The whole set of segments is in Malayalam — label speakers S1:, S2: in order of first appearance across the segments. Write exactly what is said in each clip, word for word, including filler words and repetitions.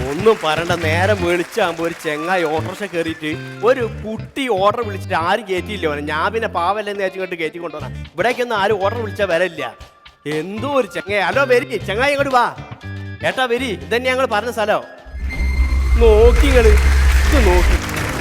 S1: ഒന്നും പറയണ്ട. നേരെ മേടിച്ചാകുമ്പോ ഒരു ചെങ്ങായി ഓട്ടോറിക്ഷ കയറിയിട്ട് ഒരു കുട്ടി ഓർഡർ വിളിച്ചിട്ട് ആരും കയറ്റിയില്ല. ഞാൻ പിന്നെ പാവല്ലെന്ന് വെച്ചിട്ട് കയറ്റി കൊണ്ടുവന്ന ഇവിടേക്കൊന്നും ആരും ഓർഡർ വിളിച്ചാൽ വരല്ല. എന്തോ ഒരു ചെങ്ങായി. ഹലോ വരി, ചെങ്ങായി ഇങ്ങോട്ട് വാ. ഏട്ടാ വരി, ഇതന്നെ ഞങ്ങൾ പറഞ്ഞ സ്ഥലം. നോക്കി നിങ്ങള് ഇത് നോക്കി,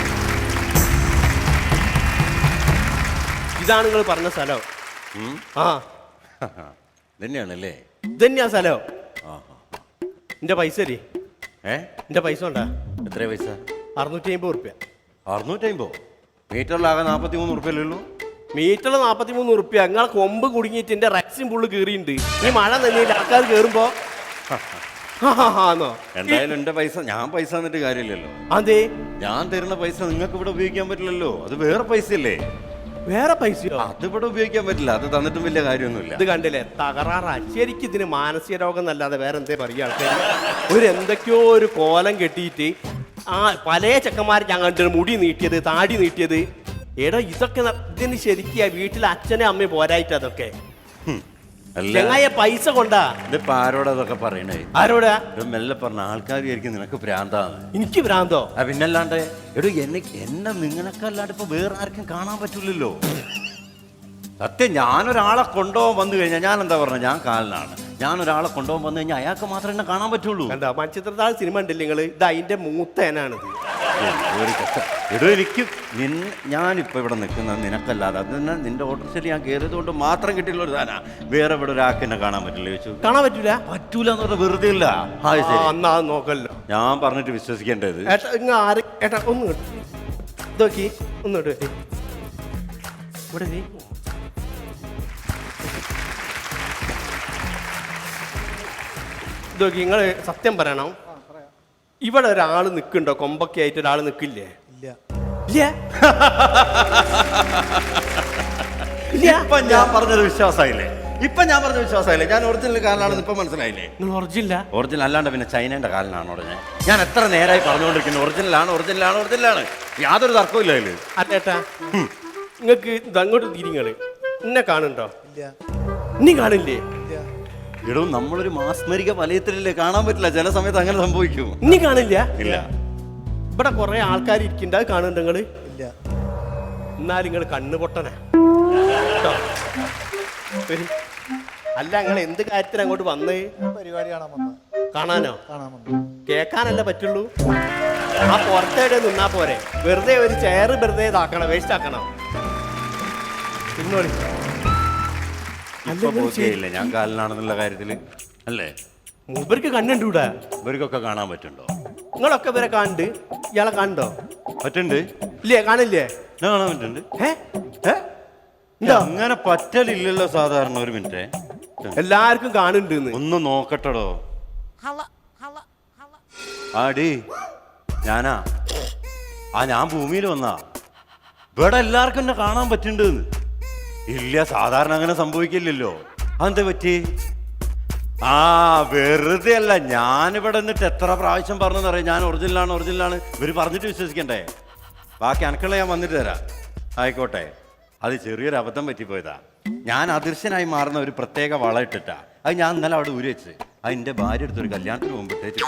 S1: ഇതാണ് നിങ്ങൾ പറഞ്ഞ സ്ഥലം. ആ
S2: തന്നെയാണല്ലേ?
S1: ഇതന്നെയാ സ്ഥലം. എന്റെ പൈസ തരി.
S2: ഏ
S1: എന്റെ പൈസ ഉണ്ടാ?
S2: എത്ര പൈസ?
S1: അറുന്നൂറ്റി അമ്പത് റുപ്യ.
S2: അറുന്നൂറ്റി അമ്പത്? മീറ്ററിലാകെ നാപ്പത്തി മൂന്ന് റുപ്യല്ലോ.
S1: മീറ്ററിൽ നാപ്പത്തി മൂന്ന് റുപ്യ. നിങ്ങളെ കൊമ്പ് കുടുങ്ങിയിട്ട് എന്റെ റെക്സിൻ പുള്ള് കീറിയിട്ടുണ്ട്. ഈ മഴ നനഞ്ഞില്ല, ആൾക്കാർ കയറുമ്പോ
S2: എന്തായാലും എന്റെ പൈസ ഞാൻ പൈസ എന്നിട്ട് കാര്യമില്ലല്ലോ.
S1: അതെ,
S2: ഞാൻ തരുന്ന പൈസ നിങ്ങൾക്ക് ഇവിടെ ഉപയോഗിക്കാൻ പറ്റില്ലല്ലോ. അത് വേറെ പൈസ അല്ലേ?
S1: വേറെ പൈസയോ?
S2: അത് ഇവിടെ ഉപയോഗിക്കാൻ പറ്റില്ല. അത് തന്നിട്ടും വലിയ കാര്യമൊന്നുമില്ല.
S1: ഇത് കണ്ടില്ലേ, തകരാറാ. ശരിക്കും ഇതിന് മാനസിക രോഗം എന്നല്ലാതെ വേറെ എന്തേ പറയുക ആൾക്കാർ. ഒരു എന്തൊക്കെയോ ഒരു കോലം കെട്ടിയിട്ട് ആ പല ചെക്കന്മാർ ഞാൻ കണ്ടിട്ട് മുടി നീട്ടിയത്, താടി നീട്ടിയത്. എടാ ഇതൊക്കെ ഇതിന് ശരിക്കും വീട്ടിൽ അച്ഛനെ അമ്മയും പോരായിട്ട് അതൊക്കെ ചെങ്ങായ പൈസ കൊണ്ടാ.
S2: ഇതിപ്പോ ആരോടാ അതൊക്കെ പറയണേ?
S1: ആരോടാ?
S2: മെല്ലെ പറഞ്ഞ ആൾക്കാർ വിചാരിക്കും നിനക്ക് ഭ്രാന്താണ്.
S1: എനിക്ക് ഭ്രാന്തോ?
S2: ആ പിന്നല്ലാണ്ട് എടോ എന്നെ എന്നെ നിങ്ങളൊക്കെല്ലാണ്ട് ഇപ്പൊ വേറെ ആർക്കും കാണാൻ പറ്റൂലല്ലോ. സത്യം, ഞാനൊരാളെ കൊണ്ടുപോകാൻ വന്നു കഴിഞ്ഞാൽ ഞാൻ എന്താ പറഞ്ഞ, ഞാൻ കാലിനാണ്. ഞാൻ ഒരാളെ കൊണ്ടുപോകാൻ വന്നു കഴിഞ്ഞാൽ അയാൾക്ക് മാത്രമേ എന്നെ കാണാൻ പറ്റുള്ളൂ.
S1: എന്താ മൺചിത്രത്താഴ് സിനിമ ഉണ്ടല്ലേ നിങ്ങൾ? ഇത് അതിന്റെ മൂത്തേനാണിത്.
S2: എടോ എനിക്ക് ഞാനിപ്പോ ഇവിടെ നിൽക്കുന്നത് നിനക്കല്ലാതെ, അത് തന്നെ നിന്റെ ഓട്ടോറിക്ഷയിൽ ഞാൻ കയറിയത് കൊണ്ട് മാത്രം കിട്ടിയുള്ള ഒരു സാധന. വേറെ ഇവിടെ ഒരാൾക്ക് എന്നെ കാണാൻ പറ്റില്ല ചോദിച്ചു.
S1: കാണാൻ പറ്റൂല?
S2: പറ്റൂല എന്ന് പറഞ്ഞാൽ വെറുതെ ഇല്ല.
S1: എന്നാ നോക്കല്ലോ,
S2: ഞാൻ പറഞ്ഞിട്ട് വിശ്വസിക്കേണ്ടത്.
S1: ഏട്ടാ ആര് ഏട്ടാ ഒന്ന് ഇതോക്കി, ഒന്നിട്ട് ഇവിടെ ഇതൊക്കെ നിങ്ങൾ സത്യം പറയണം. ഇവിടെ ഒരാൾ നിൽക്കുന്നുണ്ടോ? കൊമ്പൊക്കെ ആയിട്ട് ഒരാൾ നിൽക്കില്ലേ?
S2: ഇപ്പൊ ഞാൻ പറഞ്ഞത് വിശ്വാസമായില്ലേ? ഇപ്പൊ ഞാൻ പറഞ്ഞ വിശ്വാസമായില്ലേ? ഞാൻ ഒറിജിനൽ കാലിനാണെന്ന് ഇപ്പൊ മനസ്സിലായില്ലേ?
S1: നിങ്ങൾ ഒറിജിനൽ
S2: ഒറിജിനൽ അല്ലാണ്ട് പിന്നെ ചൈനയുടെ കാലിനാണ് ഉടനെ. ഞാൻ എത്ര നേരമായി പറഞ്ഞുകൊണ്ടിരിക്കുന്നു ഒറിജിനലാണ് ഒറിജിനലാണ് ഒറിജിനലാണ്. യാതൊരു തർക്കവും ഇല്ല അതില്.
S1: അല്ലേട്ടാ നിങ്ങൾക്ക് അങ്ങോട്ട് തിരിങ്ങള് എന്നെ കാണുന്നുണ്ടോ? ഇനി കാണില്ലേ?
S2: എടോ നമ്മളൊരു മാസ്മരിക വലയത്തിലല്ലേ, കാണാൻ പറ്റില്ല. ചില സമയത്ത് അങ്ങനെ സംഭവിക്കും.
S1: ഇനി കാണില്ല?
S2: ഇല്ല.
S1: ഇവിടെ കുറെ ആൾക്കാർ ഇരിക്കണ്ട, അത് കാണുന്നുണ്ട് നിങ്ങള്? ഇല്ല. എന്നാൽ നിങ്ങൾ കണ്ണ് പൊട്ടനാ. അല്ല നിങ്ങൾ എന്ത് കാര്യത്തിന് അങ്ങോട്ട് വന്നേ?
S3: പരിപാടി കാണാൻ വന്നു.
S1: കാണാനോ?
S3: കാണാൻ വന്നു.
S1: കേൾക്കാനല്ലേ പറ്റുള്ളൂ. ആ പുറത്തേടെ നിന്നാ പോരെ. വെറുതെ ഒരു ചെയർ വെറുതെ ഇതാക്കണം, വേസ്റ്റ് ആക്കണം. പിന്നോളി
S2: ഇല്ല ഞാൻ കാലിനാണെന്നുള്ള കാര്യത്തില് അല്ലേ?
S1: മൂപ്പർക്ക് കണ്ണുണ്ടൂടാ?
S2: ഇവർക്കൊക്കെ കാണാൻ പറ്റുണ്ടോ?
S1: നിങ്ങളൊക്കെ ഇവരെ കാണുന്നുണ്ട്. ഇയാളെ കാണുണ്ടോ?
S2: പറ്റുണ്ട്.
S1: ഇല്ലേ? കാണില്ലേ?
S2: ഞാൻ കാണാൻ പറ്റുന്നുണ്ട്.
S1: എന്താ
S2: അങ്ങനെ പറ്റലില്ലല്ലോ സാധാരണ. ഒരു മിനിറ്റ്,
S1: എല്ലാവർക്കും കാണുന്നുണ്ട്.
S2: ഒന്ന് നോക്കട്ടടോ. ആടി ഞാനാ ആ ഞാൻ ഭൂമിയിൽ വന്നാ. ഇവിടെ എല്ലാവർക്കും എന്നെ കാണാൻ പറ്റുന്നുണ്ട്. ഇല്ല, സാധാരണ അങ്ങനെ സംഭവിക്കില്ലല്ലോ. അതെന്താ പറ്റി? ആ വെറുതെ അല്ല, ഞാനിവിടെ നിന്നിട്ട് എത്ര പ്രാവശ്യം പറഞ്ഞതറിയാം ഞാൻ ഒറിജിനലാണ് ഒറിജിനലാണ്. ഇവർ പറഞ്ഞിട്ട് വിശ്വസിക്കണ്ടേ? ബാക്കി അനക്കുള്ള ഞാൻ വന്നിട്ട് തരാം. ആയിക്കോട്ടെ, അത് ചെറിയൊരു അബദ്ധം പറ്റിപ്പോയതാ. ഞാൻ അദൃശ്യനായി മാറുന്ന ഒരു പ്രത്യേക വള ഇട്ടിട്ടാ. അത് ഞാൻ ഇന്നലെ അവിടെ ഊരി വെച്ച്. അത് എൻ്റെ ഭാര്യ എടുത്തൊരു കല്യാണത്തിന് മുമ്പ് ഇട്ടേച്ച്